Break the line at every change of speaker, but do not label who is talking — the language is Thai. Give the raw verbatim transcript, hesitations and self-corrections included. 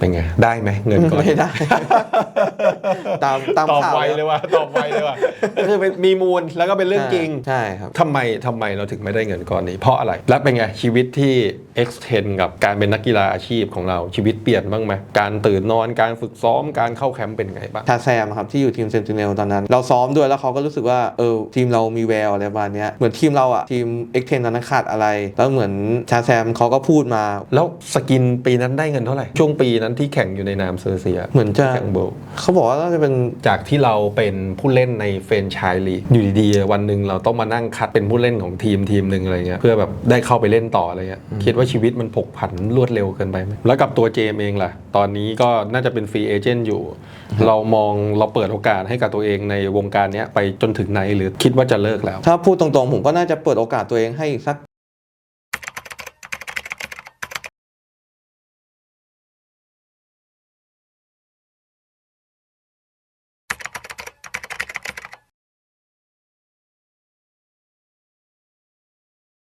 เป็นไงได้ไหมเงินก้อน
ไม่ได้ ตามตาม
ตอบ
ข่าว
ไวเลยว่ะตอบไวเลยว่ะก็คือเป็นมีมูลแล้วก็เป็นเรื่องจริง
ใช่ครับ
ทำไมทำไมเราถึงไม่ได้เงินก้อนนี้เพราะอะไรแล้วเป็นไงชีวิตที่ extend กับการเป็นนักกีฬาอาชีพของเราชีวิตเปลี่ยนบ้างไหมการตื่นนอนการฝึกซ้อมการเข้าแคมป์เป็นไงบ้าง
ชาแซมครับที่อยู่ทีมเซนติเนลตอนนั้นเราซ้อมด้วยแล้วเขาก็รู้สึกว่าเออทีมเรามีแววอะไรประมาณนี้เหมือนทีมเราอะทีมเอ็กเทนตอนนั้นขาดอะไรแล้วเหมือนชาแซมเขาก็พูดมา
แล้วสกินปีนั้นได้เงินเท่าไหร่ช่วงปีนั้นที่แข่งอยู่ในนามเซอร์เซีย
เหมือนจะ
แข่งโบ
เขาบอกว่าน่าจะเป็น
จากที่เราเป็นผู้เล่นในเฟรนไชส์ลีกอยู่ดีๆวันหนึ่งเราต้องมานั่งคัดเป็นผู้เล่นของทีมทีมหนึ่งอะไรเงี้ยเพื่อแบบได้เข้าไปเล่นต่ออะไรเงี้ยคิดว่าชีวิตมันผกผันรวดเร็วเกินไปไหมแล้วกับตัวเจมเองล่ะตอนนี้ก็น่าจะเป็นฟรีเอเจนต์อยู่เรามองเราเปิดโอกาสให้กับตัวเองในวงการนี้ไปจนถึงไหนหรือคิดว่าจะเลิกแล้ว
ถ้าพูดตรงๆผมก็น่าจะเปิดโอกาสตัวเองให้สัก